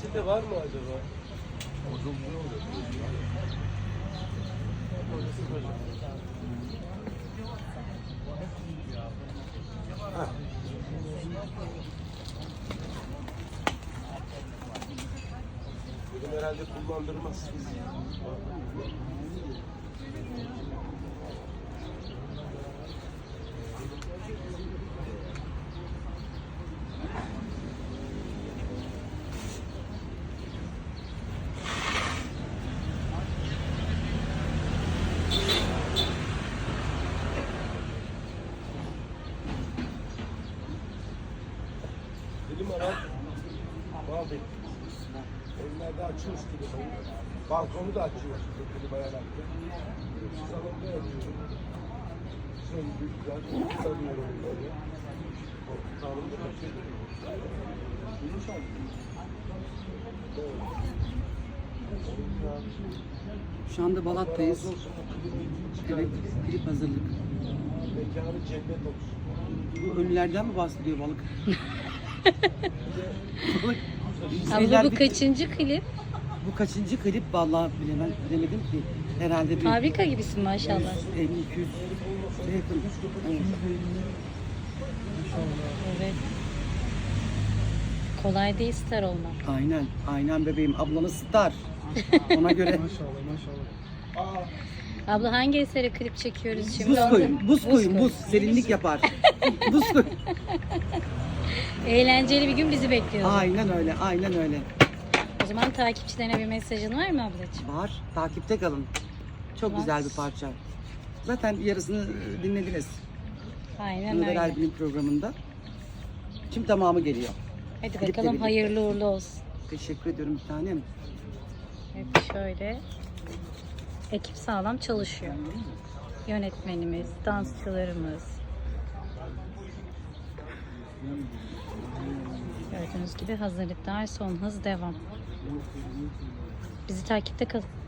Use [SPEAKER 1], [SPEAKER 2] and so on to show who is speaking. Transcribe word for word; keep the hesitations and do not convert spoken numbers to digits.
[SPEAKER 1] Fasulye var mı acaba? Ha. Dedim herhalde kullandırmazsınız. Dilim arar. Abi. Evlerde açıyoruz klimayı. Balkonu da açıyoruz klimayı ayakta. Salonda yapıyorum. Söndü güzel. Sarıyorum böyle. Salonda kaçıyorum. Yumuşak.
[SPEAKER 2] Şu anda Balat'tayız. Evet, klip hazırlık.
[SPEAKER 1] Mekanı cennet olsun.
[SPEAKER 2] Bu ölülerden mi bahsediyor balık? Balık.
[SPEAKER 3] Abla bu kaçıncı klip?
[SPEAKER 2] Bu kaçıncı klip vallahi bilemem, bilemedim ki. Herhalde bir
[SPEAKER 3] Fabrika gibisin maşallah.
[SPEAKER 2] elli iki yüz yakın. Evet.
[SPEAKER 3] Evet. Kolay değil star olmak.
[SPEAKER 2] Aynen, aynen bebeğim. Ablanı star. Ona göre.
[SPEAKER 3] Abla hangi esere klip çekiyoruz şimdi?
[SPEAKER 2] Buz
[SPEAKER 3] Onu-
[SPEAKER 2] koyun, buz koyun, buz. Serinlik yapar. Buz koyun.
[SPEAKER 3] Eğlenceli bir gün bizi bekliyor.
[SPEAKER 2] Aynen öyle, aynen öyle.
[SPEAKER 3] O zaman takipçilerine bir mesajın var mı ablacığım?
[SPEAKER 2] Var, takipte kalın. Çok
[SPEAKER 3] Var.
[SPEAKER 2] güzel bir parça. Zaten yarısını dinlediniz.
[SPEAKER 3] Aynen
[SPEAKER 2] Nurel
[SPEAKER 3] öyle.
[SPEAKER 2] Albin'in programında. Şimdi tamamı geliyor.
[SPEAKER 3] Hadi
[SPEAKER 2] Kliple
[SPEAKER 3] bakalım
[SPEAKER 2] birlikte.
[SPEAKER 3] hayırlı uğurlu olsun.
[SPEAKER 2] Teşekkür ediyorum bir tanem.
[SPEAKER 3] Evet şöyle. Ekip sağlam çalışıyor. Yönetmenimiz, dansçılarımız. Gördüğünüz gibi hazırlıklar son hız devam. Bizi takipte kalın.